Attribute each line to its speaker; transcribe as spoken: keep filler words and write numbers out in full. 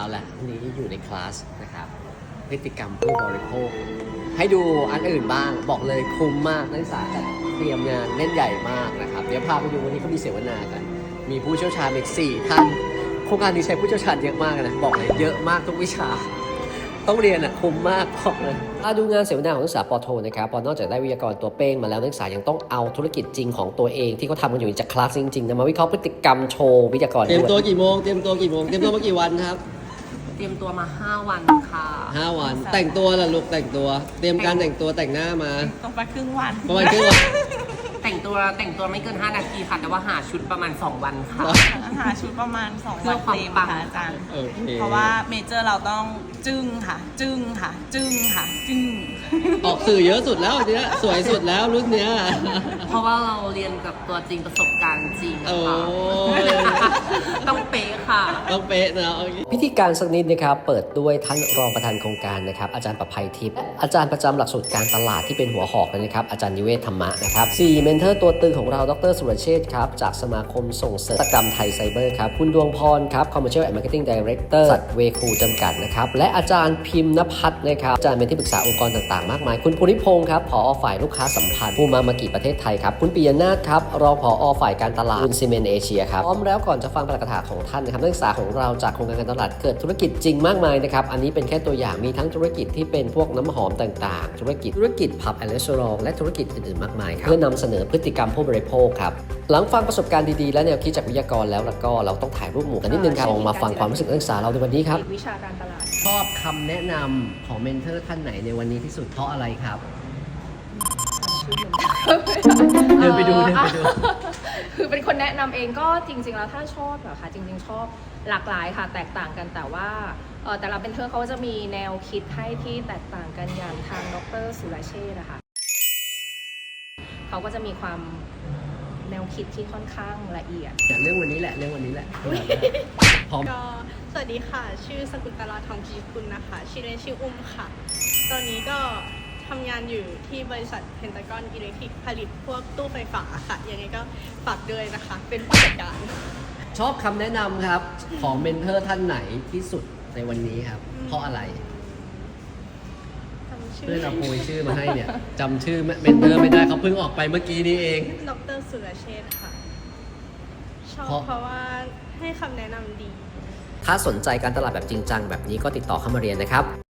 Speaker 1: แหละอันนี้อยู่ในคลาสนะครับพฤติกรรมผู้บริโภคให้ดูอันอื่นบ้างบอกเลยคุ้มมากนักศึกษาจัดเตรียมงานเล่นใหญ่มากนะครับเดี๋ยวพาไปดูวันนี้เขามีเสวนากันมีผู้เชี่ยวชาญอีกสี่ท่านโครงการนี้ใช้ผู้เชี่ยวชาญเยอะมากนะบอกเลยเยอะมากทุกวิชาต้องเรียนอ่ะคุ้มมากบอกเลยมาดูงานเสวนาของนักศึกษาปโทนะครับพอนอกจากได้วิทยากรตัวเป้งมาแล้วนักศึกษายังต้องเอาธุรกิจจริงของตัวเองที่เขาทำกันอยู่จากคลาสจริงๆนะมาวิเคราะห์พฤติกรรมโชว์วิทยากร
Speaker 2: เตรียมตัวกี่โมงเตรียมตัวกี่โมงเตรียมตัวมากี่วันครับ
Speaker 3: เตรียมตัวมาห้าวันค่ะ
Speaker 2: ห้าวันแต่งตัวล่ะลูกแต่งตัวเตรียมการแต่งตัวแต่งหน้ามา
Speaker 4: ต้องไปครึ่งวัน
Speaker 2: ประมาณครึ่งวัน
Speaker 3: แต่งตัวแต่งตัวไม่เกินห้านาทีค่ะแต่ว่าหาชุดประมาณสองวันค่ะ
Speaker 4: หาชุดประมาณสอง
Speaker 3: เพื่
Speaker 4: วั
Speaker 3: อน ความ
Speaker 4: เต็ม
Speaker 3: ปัง
Speaker 4: ค่ะอาจารย์
Speaker 2: โอเค
Speaker 4: เพราะว่าเมเจอร์เราต้องจึ้งค่ะ จึ้งค่ะ จึ้งค่ะ จึ้ง
Speaker 2: ออกสื่อเยอะสุดแล้วเนี้ยสวยสุดแล้วรุ่นเนี้ย
Speaker 3: เพราะว่าเราเรียนกับตัวจริงประสบการณ์จริง
Speaker 2: โอ้
Speaker 3: ค่ะต้องเป๊ะค่ะ
Speaker 2: ต้องเป๊ะนะโอเค
Speaker 1: พิธีการสักนิดนะครับเปิดด้วยท่านรองประธานโครงการนะครับอาจารย์ประภัยทิพย์อาจารย์ประจำหลักสูตรการตลาดที่เป็นหัวหอกเลยนะครับอาจารย์นิเวศธรรมะนะครับสี่เมนเทอร์ตัวตึงของเราดรสุรเชษฐ์ครับจากสมาคมส่งเสริมนวัตกรรมไทยไซเบอร์ครับคุณดวงพรครับ Commercial and Marketing Director สัตว์เวคูจำกัดนะครับและอาจารย์พิมพ์นภัทรนะครับอาจารย์เป็นที่ปรึกษาองค์กรต่างๆมากมายคุณภูริพงศ์ครับผอฝ่ายลูกค้าสัมพันธ์ผู้มามากิประเทศไทยครับคุณปิยนาถครับรองผอฝ่ายการตลาดคุณซีเมนเอเชียครับพร้อมแล้วก่อนจะฟังปาฐกถาของท่านนะครับนักศึกษาของเราจากโครงการการตลาดเกิดธุรกิจจริงมากมายนะครับอันนี้เป็นแค่ตัวอย่างมีทั้งธุรกิจที่เป็นพวกน้ำหอมต่างๆธุรกิจธุรกิจผับแอนด์รีสอร์ทและธุรกิจอื่นๆมากมายครับเพื่อนำเสนอพฤติกรรมผู้บริโภคครับหลังฟังประสบการณ์ดีๆและแนวคิดจากวิทยากรแล้วแล้วก็เราต้องถ่ายรูปหมู่กันนิดนึงครับลองมาฟังความรู้สึกนักศึกษาเราในวันนี้ครับ
Speaker 5: วิชาการตลาด
Speaker 1: ชอบคำแนะนำของเมนเทอร์ท่านไหนในวันนี้ที่สุดเพราะอะไรครับเดินไปดูเดินไปดู
Speaker 5: คือเป็นคนแนะนำเองก็จริง ๆ แล้วถ้าชอบเหรอคะจริง ๆ ชอบหลากหลายค่ะแตกต่างกันแต่ว่าเอ่อแต่ละเป็นเทอร์เขาจะมีแนวคิดให้ที่แตกต่างกันอย่างทางดรสุรเชษฐ์นะคะเขาก็จะมีความแนวคิดที่ค่อนข้างละเอียด
Speaker 1: เรื่องวันนี้แหละเรื่องวันนี้แหละพร้อม
Speaker 6: ก็สวัสดีค่ะ ชื่อสกุลตลาทองพิชิตกุลนะคะ ชื่อเล่นชื่ออุ้มค่ะ ตอนนี้ก็ทำงานอยู่ที่บริษัทเพนตากอนอิเล็กทริกผลิตพวกตู้ไฟฟ้าค่ะ ยังไงก็ฝากด้วยนะคะ เป็นผู้จัดการ
Speaker 1: ชอบคำแนะนำครับของเมนเทอร์ท่านไหนที่สุดในวันนี้ครับ เพราะอะไร
Speaker 6: จำชื่อ
Speaker 1: เพื่อนเราโพยชื่อมาให้เนี่ยจำชื่อเมนเทอร์ไม่ได้เขาเพิ่งออกไปเมื่อกี้นี้เอง
Speaker 6: ดรสุรเชษฐ์ค่ะ ชอบ
Speaker 1: เพราะ
Speaker 6: เพราะว่าให้คำแนะนำดี
Speaker 1: ถ้าสนใจการตลาดแบบจริงจังแบบนี้ก็ติดต่อเข้ามาเรียนนะครับ